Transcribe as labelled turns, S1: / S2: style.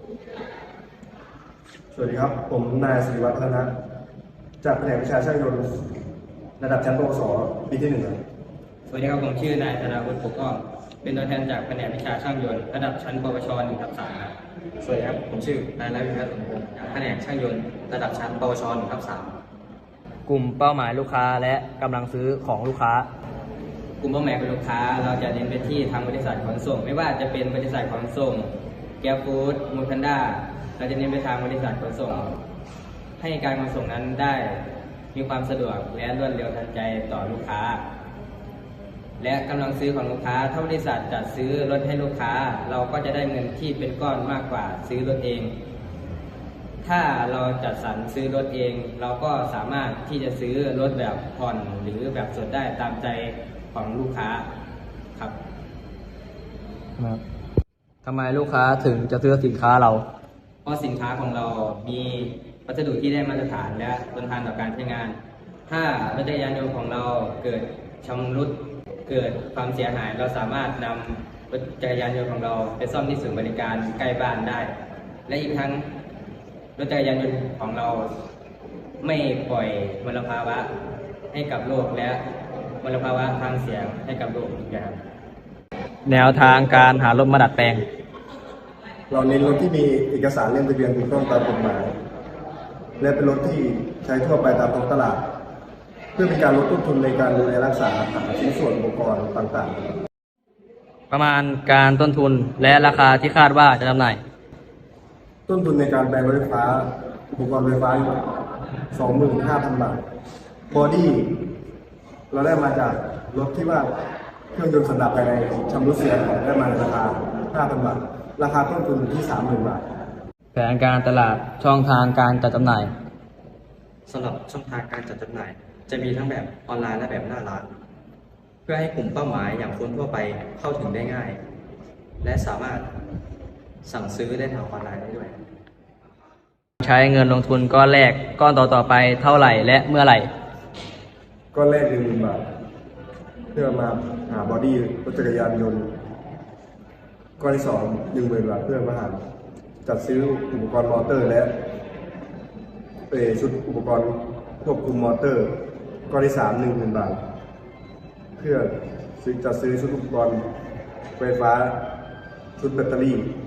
S1: สวัสดีครับผมนายศิริวัฒน์พัฒนะจากแผนกวิชาช่างยนต์ระดับชั้นปวสปีที่ 1ครับ
S2: สวัสดีครับผมชื่อนายธนาวุฒิปกป้องเป็นตัวแทนจากแผนกวิชาช่างยนต์ระดับชั้นปวช1/3ครับสวัสดีครับผมชื่อนายรัวิพัฒน์สมพงศ์จากแผนกช่างยนต์ระดับชั้นปวช1/3
S3: กลุ่มเป้าหมายลูกค้าและกำลังซื้อของลูกค้า
S2: กลุ่มเป้าหมายของลูกค้าเราจะเน้นไปที่ทางบริษัทขนส่งไม่ว่าจะเป็นบริษัทขนส่งแกร็บฟู้ดมูทันด้าเราจะเน้นไปทางบริษัทขนส่งให้การขนส่งนั้นได้มีความสะดวกและรวดเร็วทันใจต่อลูกค้าและกำลังซื้อของลูกค้าถ้าบริษัทจัดซื้อรถให้ลูกค้าเราก็จะได้เงินที่เป็นก้อนมากกว่าซื้อรถเองถ้าเราจัดสรรซื้อรถเองเราก็สามารถที่จะซื้อรถแบบผ่อนหรือแบบสดได้ตามใจของลูกค้าครับ
S3: ทำไมลูกค้าถึงจะซื้อสินค้าเรา
S2: เพราะสินค้าของเรามีวัสดุที่ได้มาตรฐานและทนทานต่อการใช้งานถ้ารถจักรยานยนต์ของเราเกิดชำรุดเกิดความเสียหายเราสามารถนำรถจักรยานยนต์ของเราไปซ่อมที่ศูนย์บริการใกล้บ้านได้และอีกทั้งรถจักรยานยนต์ของเราไม่ปล่อยมลภาวะให้กับโลกและมลภาวะทางเสียงให้กับโลกอีกอย่าง
S3: แนวทางการหารถมาดัดแปลง
S1: เราเน้นรถที่มีเอกสารเล่มทะเบียนถูกต้องตามกฎหมายและเป็นรถที่ใช้ทั่วไปตามท้องตลาดเพื่อเป็นการลดต้นทุนในการดูแลรักษาหาชิ้นส่วนอุปกรณ์ต่างๆ
S3: ประมาณการต้นทุนและราคาที่คาดว่าจะจำหน่าย
S1: ต้นทุนในการแปลงรถไฟฟ้าอุปกรณ์ไฟฟ้าอยู่ 25,000 บาทบอดี้เราได้มาจากรถที่ว่าเครื่องยนต์สันดาปภายในชำรุดเสียหายได้มาในราคา 5,000 บาทราคาต้นทุนอยู่ที่ 30,000 บาท
S3: แผนการตลาดช่องทางการจัดจำหน่าย
S4: สำหรับช่องทางการจัดจำหน่ายจะมีทั้งแบบออนไลน์และแบบหน้าร้านเพื่อให้กลุ่มเป้าหมายอย่างคนทั่วไปเข้าถึงได้ง่ายและสามารถสั่งซื้อได้ทางออนไลน์ได้ด้วย
S3: ใช้เงินลงทุนก้อนแรกก้อนต่อไปเท่าไหร่และเมื่อไหร่
S1: ก้อนแรก 10,000 บาทเพื่อมาหาบอดี้รถจักรยานยนต์ก้อนที่ 2 10,000 บาทเพื่อมาหาจัดซื้ออุปกรณ์มอเตอร์และชุดอุปกรณ์ควบคุมมอเตอร์ก้อนที่ 3 10,000 บาทเพื่อจัดซื้อชุดอุปกรณ์ไฟฟ้าชุดแบตเตอรี่